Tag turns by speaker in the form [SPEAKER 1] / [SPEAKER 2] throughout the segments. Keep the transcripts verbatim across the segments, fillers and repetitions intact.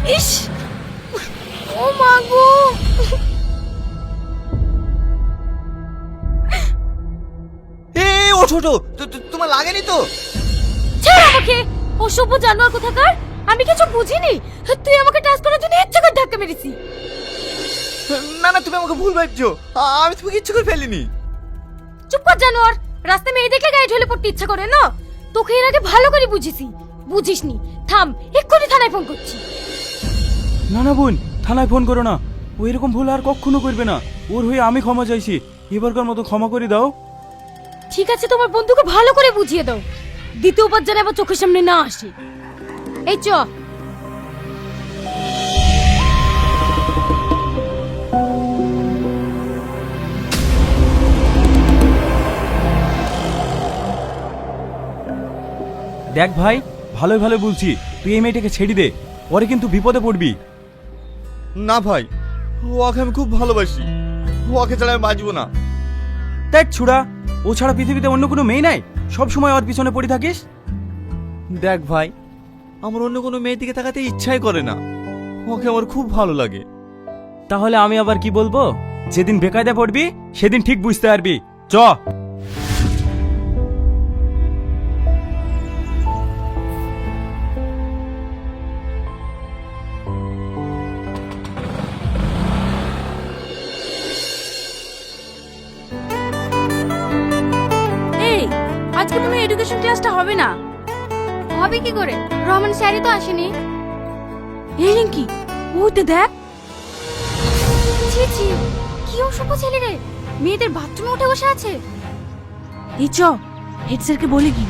[SPEAKER 1] ইস, ও মা গো।
[SPEAKER 2] এই ওঠো ওঠো, তো- তো- তোমার লাগেনি তো?
[SPEAKER 1] ছাড় আমাকে, অসভ্য জানোয়ার কোথাকার। আমি কিছু বুঝিনি, তুই আমাকে টাচ করার জন্য ইচ্ছে করে ধাক্কা মেরেছি।
[SPEAKER 2] না না, তুমি আমাকে ভুল ভাবছো, আ- আমি তোমাকে ইচ্ছে করে ফেলিনি।
[SPEAKER 1] চুপ কর জানোয়ার, রাস্তায় মেয়ে দেখলে গায়ে ঢলে পড়তে ইচ্ছা করে না? তোকে এর আগে ভালো করে বুঝিছি, বুঝিসনি। থাম, এক্ষুনি থানায় ফোন করছি।
[SPEAKER 3] না না বোন, থানায় ফোন করো না। ও এরকম ভুল আর কখনো করবে না। ওর হয়ে আমি ক্ষমা চাইছি, এবারকার মতো ক্ষমা করে দাও।
[SPEAKER 1] ঠিক আছে, তোমার বন্ধুকে ভালো করে বুঝিয়ে দাও, দ্বিতীয়বার যেন আবার চোখের সামনে না আসে। এই চ।
[SPEAKER 3] দেখ ভাই, ভালোই ভালো বলছি, তুই এই মেয়েটাকে ছেড়ে দে, পরে কিন্তু বিপদে পড়বি।
[SPEAKER 2] না ভাই, ওকে আমি খুব ভালোবাসি, ওকে ছাড়া আমি বাঁচবো না।
[SPEAKER 3] দেখ ছুড়া, ও ছাড়া পৃথিবীতে অন্য কোনো মেয়ে নাই, সব সময় ওর পিছনে পড়ে থাকিস।
[SPEAKER 2] দেখ ভাই, আমার অন্য কোনো মেয়ের দিকে তাকাতে ইচ্ছাই করে না, ওকে আমার খুব ভালো লাগে।
[SPEAKER 3] তাহলে আমি আবার কি বলবো? যেদিন বেকায়দা পড়বি সেদিন ঠিক বুঝতে পারবি। চ।
[SPEAKER 1] এই, আজকে মনে হয় এডুকেশন ক্লাসটা হবে না। হবে কি করে? রহমান স্যারই তো আসেনি। এই রিঙ্কি, ওতে দেখ। ছি ছি, কি অসভ্য ছেলে রে, মেয়েদের বাথরুমে উঠে বসে আছে। এই চ, হেড স্যারকে বলে কি।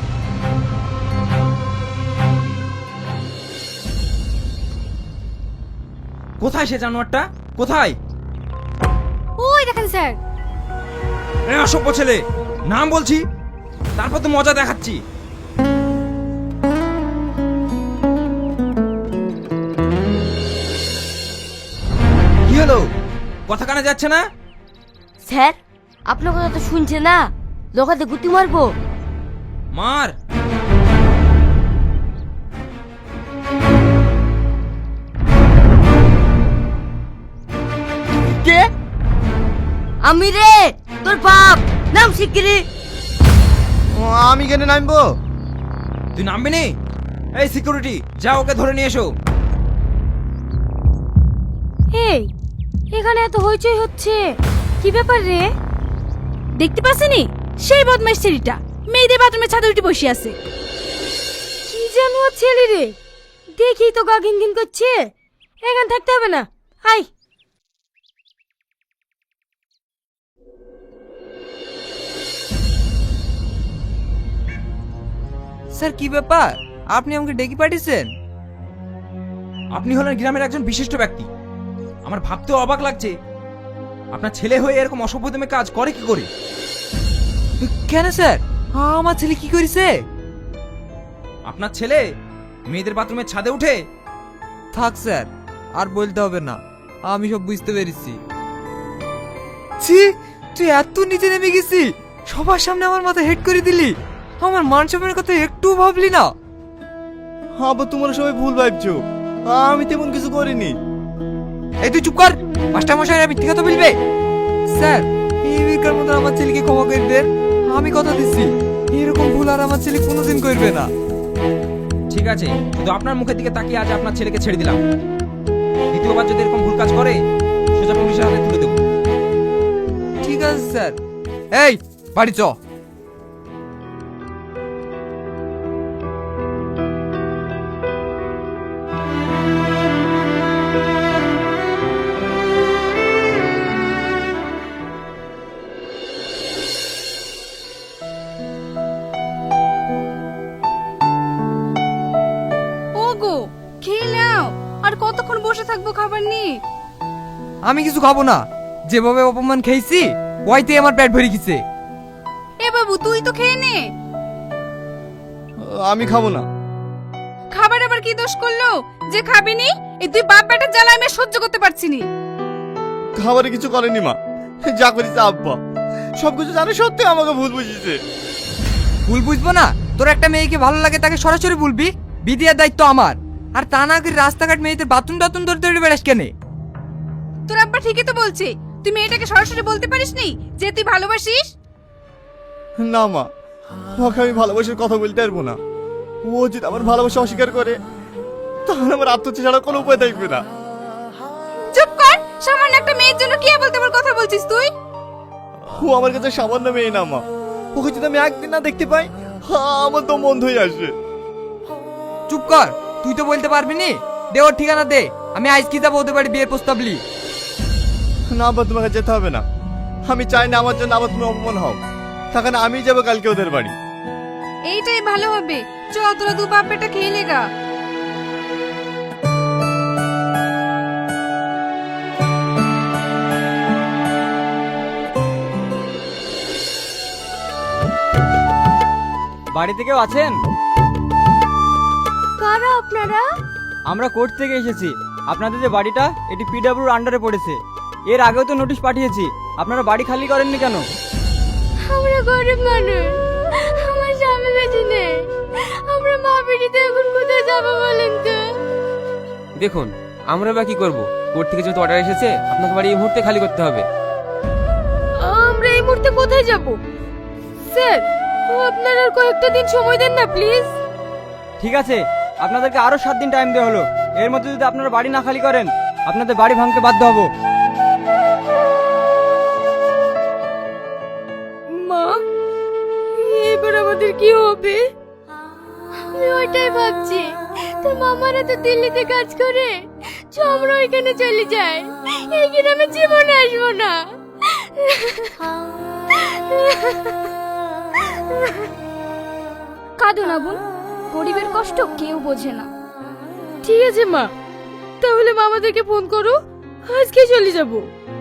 [SPEAKER 4] কোথায় সে জানোয়ারটা? কোথায়?
[SPEAKER 1] ওই দেখেন স্যার।
[SPEAKER 4] এ অসভ্য ছেলে, নাম বলছি, তারপর তো মজা দেখাচ্ছি। কি হলো, কথা কানে যাচ্ছে না?
[SPEAKER 5] স্যার, আপনার কথা তো শুনছে না, লোকাতে গুতি মারবো।
[SPEAKER 4] মার।
[SPEAKER 2] কে?
[SPEAKER 5] আমি রে, তোর বাপ। নাম শিগগিরি।
[SPEAKER 2] আমি কেন নামবো?
[SPEAKER 4] তুই নামবি নি? এই সিকিউরিটি, যা ওকে ধরে নিয়ে এসো।
[SPEAKER 1] এই, এখানে এত হইচই হচ্ছে, কি ব্যাপার রে? দেখতে পাচ্ছেনি সেই বদমাইশ ছেলেটা মেয়েদের বাথরুমে ছাদে উঠে বসে আছে। কি জানো ছেলে রে, দেখি তো গা ঘিন ঘিন করছে। এখানে থাকতে হবে না, আই।
[SPEAKER 6] স্যার কি ব্যাপার, আপনি আমাকে ডেকে পাঠিয়েছেন?
[SPEAKER 4] আপনি হলেন গ্রামের একজন বিশিষ্ট ব্যক্তি, আমার ভাবতেও অবাক লাগছে আপনার ছেলে হয়ে এরকম অসভ্যতমে কাজ করে কি করে।
[SPEAKER 6] কেন স্যার, আমার ছেলে কি করেছে?
[SPEAKER 4] আপনার ছেলে মেয়েদের বাথরুমের ছাদে উঠে।
[SPEAKER 6] থাক স্যার, আর বলতে হবে না, আমি সব বুঝতে পেরেছি। ছি, তুই এত নিচে নেমে গেছি, সবার সামনে আমার মাথা হেড করে দিলি, আমার মান সম্মানের কথা একটু ভাবলি না?
[SPEAKER 2] আবার তোমরা সবাই ভুল ভাবছো, আমি তেমন কিছু করিনি।
[SPEAKER 6] এই তুই চুপ কর, মাস্টার মশাই মিথ্যে কথা বলবে। স্যার, এই বিকার মতো আমার ছেলেকে ক্ষমা করে দেন, আমি কথা দিচ্ছি এরকম ভুল আর আমার ছেলে কোনোদিন করবে না।
[SPEAKER 4] ঠিক আছে, শুধু আপনার মুখের দিকে তাকিয়ে আজ আপনার ছেলেকে ছেড়ে দিলাম, দ্বিতীয়বার যদি এরকম ভুল কাজ করে সোজা পুলিশের হাতে তুলে দেবো।
[SPEAKER 6] ঠিক আছে স্যার, এই বাড়ি চ।
[SPEAKER 1] ওগো, খেয়ে নাও, আর কতক্ষণ বসে থাকবো খাবার নিয়ে?
[SPEAKER 6] আমি কিছু খাবো না, যেভাবে অপমান খেয়েছি ওইতে আমার পেট ভরে গেছে।
[SPEAKER 1] এ বাবু, তুই তো খেয়ে নে।
[SPEAKER 2] আমি খাবো না।
[SPEAKER 1] খাবার আবার কি দোষ করলো যে খাবি নি? এই তুই বাপ বেটার জ্বালা আমি আর সহ্য করতে পারছি নি।
[SPEAKER 2] খাবারে কিছু করেনি মা, যা করেছে আব্বা, সবকিছু জানে সত্যি আমাকে ভুল বুঝিয়েছে।
[SPEAKER 6] ভুল বুঝবো না? তোর একটা মেয়েকে ভালো লাগে তাকে সরাসরি বলবি, বিদিয়ার দায়িত্ব আমার। আর তা না করে রাস্তাঘাট মেয়েদের বাথরুম টাথরুম ধরে ধরে বেড়াস কেন?
[SPEAKER 1] তোর আব্বা ঠিকই তো বলছে, তুই মেয়েটাকে সরাসরি বলতে পারিসনি যে তুই ভালোবাসিস?
[SPEAKER 2] না মা, ওকে আমি ভালোবাসার কথা বলতে পারবো না। ও যদি আমার ভালোবাসা অস্বীকার করে তাহলে আমার আত্মহত্যা ছাড়া কোনো উপায় থাকবে না।
[SPEAKER 1] চুপ কর, সামান্য একটা মেয়ের জন্য কি বলতে বল কথা বলছিস তুই?
[SPEAKER 2] ও আমার কাছে সামান্য মেয়ে না মা, ওকে যদি আমি একদিন না দেখতে পাই আমার তো মন হয়ে আসে।
[SPEAKER 6] চুপ কর, তুই তো বলতে পারবি নি। দে ওর ঠিকানা দে, আমি আজকে যাবো ওদের বাড়ি বিয়ের প্রস্তাব লি।
[SPEAKER 2] না আবার তোমাকে যেতে হবে না, আমি চাই না আমার জন্য আবার তুমি অপমান হও। তখন আমি যাবো কালকে ওদের বাড়ি।
[SPEAKER 1] এইটাই ভালো হবে, চ তোরা দু বাপ বেটা খেয়ে লেগা।
[SPEAKER 7] বাড়িতে কেউ আছেন?
[SPEAKER 5] কারা আপনারা?
[SPEAKER 7] আমরা কোর্ট থেকে এসেছি। আপনাদের যে বাড়িটা এটি পিডব্লিউর আন্ডারে পড়েছে। এর আগেও তো নোটিশ পাঠিয়েছি, আপনারা বাড়ি খালি করেননি কেন?
[SPEAKER 5] আমরা গরিব মানুষ, আমার স্বামী বেঁচে নেই, আমরা মা বেটিতে এখন কোথায় যাবো বলেন তো?
[SPEAKER 8] দেখুন, আমরা বা কি করব? কোর্ট থেকে যেহেতু অর্ডার এসেছে, আপনাকে বাড়ি এই মুহূর্তে খালি করতে হবে।
[SPEAKER 5] আমরা এই মুহূর্তে কোথায় যাব? স্যার, আপনারা আর কয়েকটা দিন সময় দেন না প্লিজ।
[SPEAKER 7] ঠিক আছে, আপনাদেরকে আরো সাত দিন টাইম দেওয়া হলো। এর মধ্যে যদি আপনারা বাড়ি না খালি করেন আপনাদের বাড়ি ভাঙতে বাধ্য হব।
[SPEAKER 5] মা, এবার আমাদের কি হবে? আমি ওইটাই ভাবছি, তোর মামারা তো দিল্লিতে কাজ করে, চ আমরা ওইখানে চলে যাই, এই গ্রামে জীবনে আসবো না।
[SPEAKER 1] কাঁদো না বোন, গরিবের কষ্ট কেউ বোঝে না।
[SPEAKER 5] ঠিক আছে মা, তাহলে মামাদেরকে ফোন করো, আজকে চলে যাব।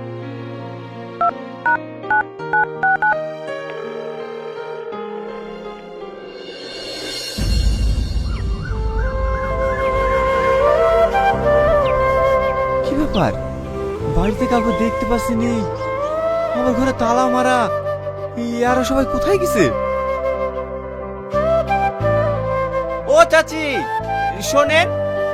[SPEAKER 2] কি ব্যাপার, বাড়িতে কাউকে দেখতে পাচ্ছি নি, আমার ঘরে তালা মারা, আর সবাই কোথায় গেছে? ও চাচি শোনেন।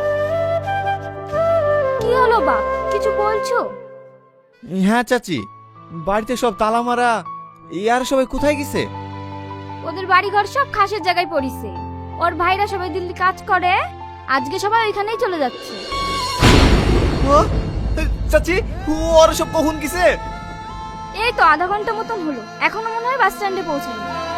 [SPEAKER 1] কি হলো বাপ, কিছু বলছো?
[SPEAKER 2] হ্যাঁ চাচি, বাড়িতে সব তালা মারা, আর সবাই কোথায় গেছে?
[SPEAKER 1] ওদের বাড়ি ঘর সব খাসের জায়গায় পড়িছে। ওর ভাইরা সবাই দিল্লি কাজ করে, আজকে সবাই ওইখানেই চলে যাচ্ছে।
[SPEAKER 2] ও চাচি, ওর সব কখন গেছে?
[SPEAKER 1] এই তো আধা ঘন্টা মতন হলো, এখনো মনে হয় বাস স্ট্যান্ডে পৌঁছায়নি।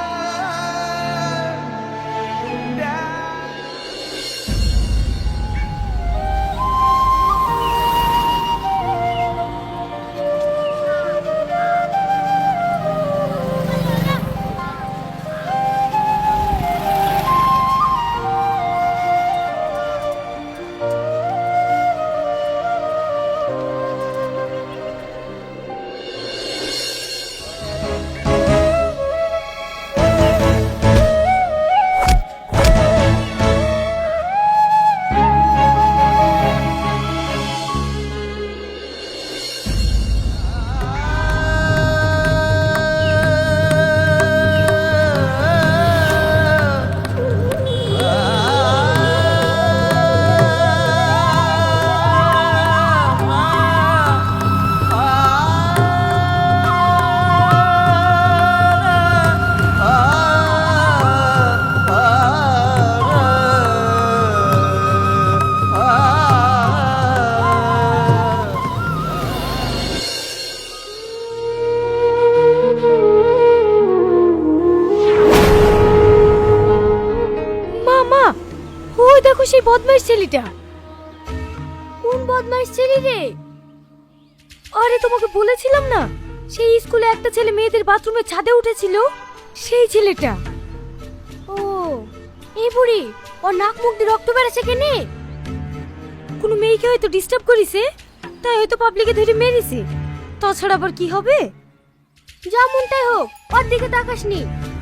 [SPEAKER 5] সেই বদমাইশ ছেলেটা। কোন বদমাইশ ছেলে রে? আরে তোমাকে বলেছিলাম না, সেই স্কুলে একটা ছেলে মেয়েদের বাথরুমের ছাদে উঠেছিল, সেই ছেলেটা। ও এই বুড়ি, ওর নাক মুখ দিয়ে রক্ত বেরোছে কেনে? কোনো মেয়েকে হয়তো ডিস্টার্ব করেছে, তাই হয়তো পাবলিকে ধরে মেরেছে। তাছাড়া আবার কি হবে? যা মনটাই হোক, ওর দিকে তাকাসনি।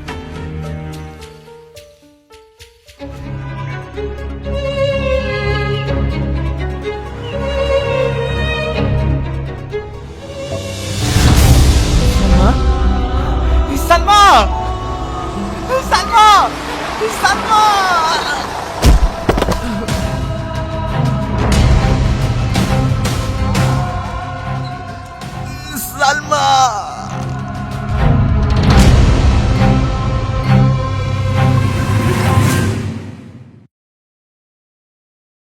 [SPEAKER 2] সালমা, সালমা, সালমা! সালমা